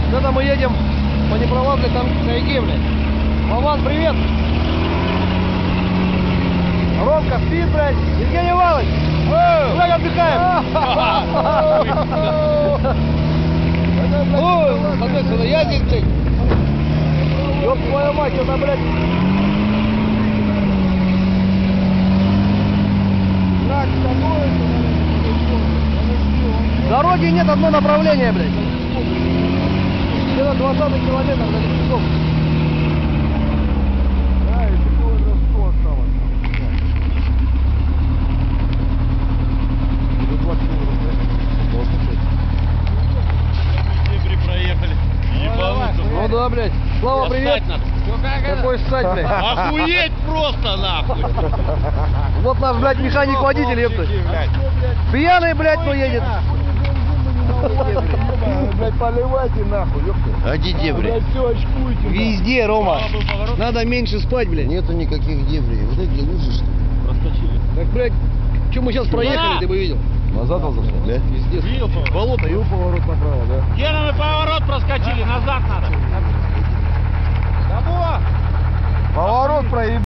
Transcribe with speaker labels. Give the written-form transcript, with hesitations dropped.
Speaker 1: Это мы едем по непролазной тайге, блядь. Вован, привет! Ромка спит, блядь. Евгений Иванович! Как отдыхаем? Ой, соответственно, я здесь, блядь. Ёб твою мать, это, блядь. Дороги нет, одно направление, блядь. Где-то 20 километр до лесников. Да, и такое росту осталось. До 20 километров.
Speaker 2: Дебри проехали. Ебануться.
Speaker 1: Ну да, блядь. Слава, привет. Какой ссать, блядь.
Speaker 2: Охуеть просто, нахуй.
Speaker 1: Вот наш, блядь, механик-водитель, ёпта. Пьяный, блядь, но едет. Блядь, поливайте нахуй, ёпта.
Speaker 3: А где дебри?
Speaker 1: Блядь, все очкуйте. Везде, Рома. Надо меньше спать, блядь.
Speaker 3: Нету никаких дебрей. Вот эти лужи, что ли?
Speaker 2: Проскочили.
Speaker 1: Так, блядь, что мы сейчас проехали, ты бы видел.
Speaker 3: Назад он зашел, да?
Speaker 1: Пиздец.
Speaker 2: Видел поворот?
Speaker 1: Болото, и поворот направо, да.
Speaker 2: Гена, мы поворот проскочили, назад надо.
Speaker 1: Поворот проебал.